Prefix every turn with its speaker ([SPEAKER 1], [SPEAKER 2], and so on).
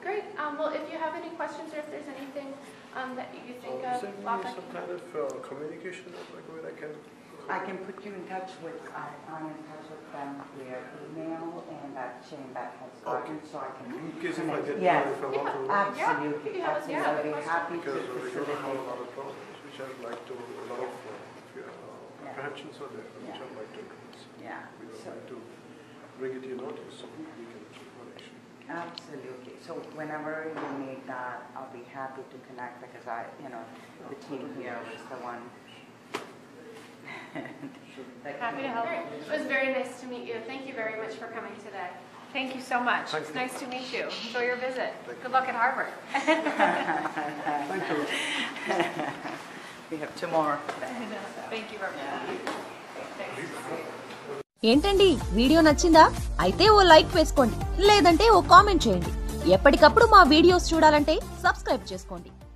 [SPEAKER 1] Great. Well, if you have any questions or if there's anything that you think of,
[SPEAKER 2] Send me some kind of communication like where
[SPEAKER 3] I can put you in touch with, I'm in touch with them via email, and Shane Beck has gotten, so I can.
[SPEAKER 2] in case if I get
[SPEAKER 3] Yes.
[SPEAKER 2] if I want to
[SPEAKER 3] Absolutely,
[SPEAKER 1] Yeah.
[SPEAKER 3] absolutely. I'll be happy to
[SPEAKER 2] because we're going to have a
[SPEAKER 3] facilitate.
[SPEAKER 2] lot of problems which I'd like to a lot of apprehensions are there which I'd like to address.
[SPEAKER 3] Yeah.
[SPEAKER 2] We would
[SPEAKER 3] So-
[SPEAKER 2] like to bring it to your notice so we can take one action.
[SPEAKER 3] Absolutely. So whenever you need that, I'll be happy to connect because the team here was the one.
[SPEAKER 1] Happy to help. It was very nice to meet you. Thank you very much for coming today.
[SPEAKER 4] Thank you so much.
[SPEAKER 2] Thank
[SPEAKER 4] It's
[SPEAKER 2] you.
[SPEAKER 4] nice to meet you. Enjoy your visit. Good luck at Harvard.
[SPEAKER 2] Thank you.
[SPEAKER 3] We have two more.
[SPEAKER 4] Thank you very much.
[SPEAKER 5] ఏంటండి video నచ్చిందా? అయితే ఓ like వేసుకోండి, లేదంటే ఓ comment చేయండి. ఎప్పటికప్పుడు మా videos చూడాలంటే subscribe చేసుకోండి.